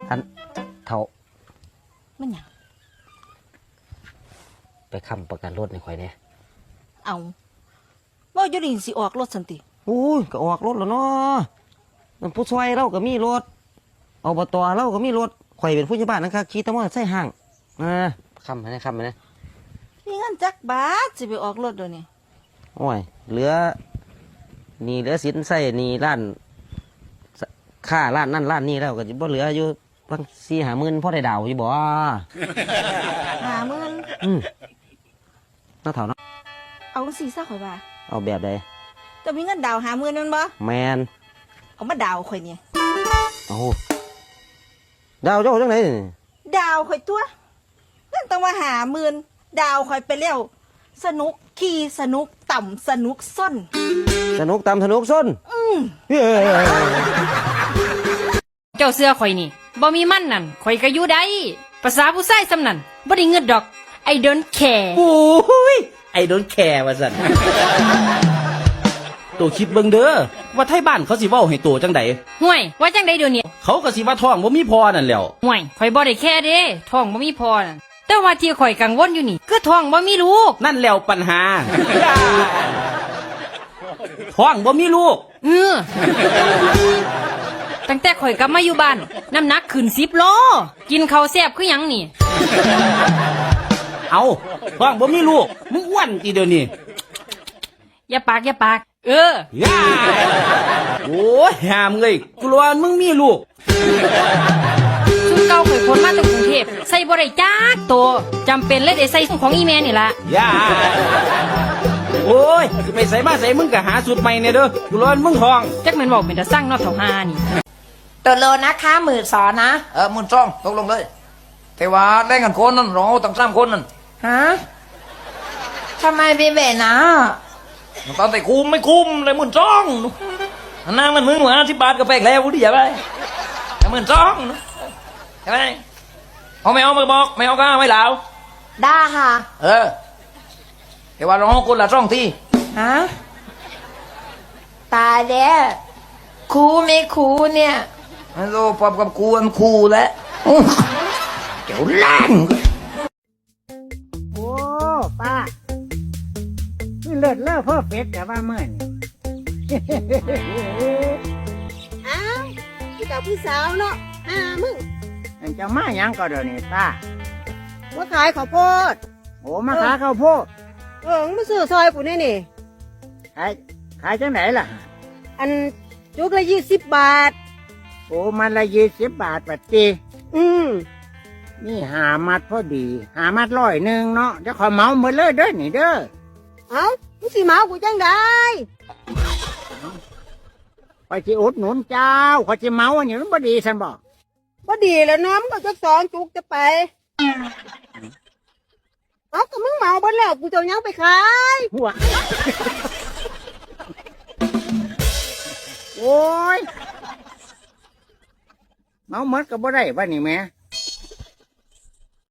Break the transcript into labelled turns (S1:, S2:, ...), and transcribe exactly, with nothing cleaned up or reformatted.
S1: อันเท่า
S2: มันหยัง
S1: ไปค้ำประกันรถในข่อยเนี่ย
S2: เอาว่าอยู่นี่สิออกรถสันติ
S1: โอ้ยก็ออกรถแล้วเนาะมันผู้ช่วยเราก็มีรถอบตเราก็มีรถข่อยเป็นผู้ใหญ่บ้านนะครับขี่ตะมอใส่ห้างอ่าค้ำไปนะค้ำไปนะ
S2: มีเงินจักบาทสิไปออกรถเดี๋ยวนี้
S1: โอ้ยเหลือนี่เหลือสินใส่นี่ร้านค่าร้านนั่นร้านนี่แล้วก็บ่เหลืออยู่บางสี่หาหมื่นพ่อได้ดาวอยู่บ่
S2: หาหมื่น
S1: อืมน่าเถ่าเนาะ
S2: เอาสี่ซ่าข่อยว่า
S1: เอาแบบใด
S2: จะมีเงินดาวหาหมื่นนั่นบ่
S1: แมน
S2: เอามาดาวข่อยเนี่ย
S1: เอาดาวเจ้าจังไหน
S2: ดาวข่อยตัวเงินต้องมาหาหมื่นดาวข่อยไปแล้วสนุกขี่สนุกต่ำสนุกส้น
S1: สนุกตามสนุกส้น
S2: อืม
S3: เจ้าเสื้อข่อยนี่บ่มีมันนั่นข่อยก็อยู่ได้ภาษาผู้ชายสำนั่นบ่ได้เงินดอก I don't care
S4: โอ้ยไอ้โดนแคร์ว่าซั่นตัวคิดเบิ่งเด้อว่าไทบ้านเขาสิเว้าให้ตัวจังใด
S3: ห่วยว่าจังได๋เดี๋ยวนี้
S4: เขาก็สิว่าท้องบ่มีพอนั่นแหล้ว
S3: ห่วยข่อยบ่ได้แค่เด้ท้องบ่มีพอนั่นแต่ว่าที่ข่อยกังวลอยู่นี่คือท้องบ่มีลูก
S4: นั่นแหล้วปัญหาท้องบ่มีลูก
S3: เออตั้งแต่ข่อยกลับมาอยู่บ้านน้ำหนักขึ้นสิบโลกินข้าวแซ่บคือหยังนี่
S4: เอาท้องบ่มีลูกมึงอ้วนอีเดี๋ยวนี้
S3: อย่าปากอย่าปากเอ
S4: อย่าโอ้ยหามเอ้ยกลัวมึงมีลูก
S3: ชุดเก่าข่อยคนมาจากกรุงเทพใส่บ่ได้จักโตจำเป็นเลยได้ใส่ของอีแม่นี่ล่ะ
S4: อย่าโอ้ยไปใส่มาใส่มึงก็หาสูตรใหม่เนี่ยเด้อกลัวมึงท้อง
S3: จักแม่นบอกเป็นตาสั่งเนาะเฒ่าหานี่
S5: ตัวโลนะคะหมื่นสองนะ
S6: เออหมื่นสองตกลงเลยแต่ว่าแรงกันคนนั่นเราตั้งสามคนนั่น
S5: ฮะทำไมพี่เบนะ
S6: ตอนแต่คุ้มไม่คุ้มเลยหมื่นสองนั่งมันมึงหัวที่บาทก็แปลกแล้วดิอย่าไปหมื่นสองใช่ไหมเอาไม่เอามาบอกไม่เอาก็ไม่เหลา
S5: ได้ค่ะ
S6: เออแต่ว่าเราคนละสองที่
S5: ฮะตายแล้วครูไม่ครูเนี่ย
S6: ฮัลโหลปอบกับครูมันครูแล้วเจ้าล้าน
S7: โอ้ป้านี่เลิศเลิศเพิ่มเฟสแต่ว่าเมื่อนี่
S2: อ้าวพี่กับพี่สาวเนาะอ่ามึง
S7: มันจะมาหยังก็เดี๋ยวนี้ป้า
S2: ว่าขายข้าวโพด
S7: โอ้มาขายข้าวโพด
S2: เออมาซื้อซอยกูนี่นี่
S7: ขายขายจังไหนล่ะ
S2: อันจุกละยี่สิบบาท
S7: โอ้มันละยี่สิบบาทปัดจี
S2: อืม
S7: นี่หามัดพอดีหามัดร้อยหนึ่งเนาะจะขอเมาหมดเลยเด้อนี่เด้อ
S2: เอ้ามึงสิเมากูจังได้
S7: ขอจิอุดหนุนเจ้าขอจิเมาอันนี้มันบ่ดีฉันบอก
S2: บ่ดีแล้วน้ำก็จะสองจุกจะไปเอาก็มึงเมาบ่แล้วกูจะยังไปขาย
S7: หัวโอ้ยเมาหมดก็บ่ได้บ้านนี่แม่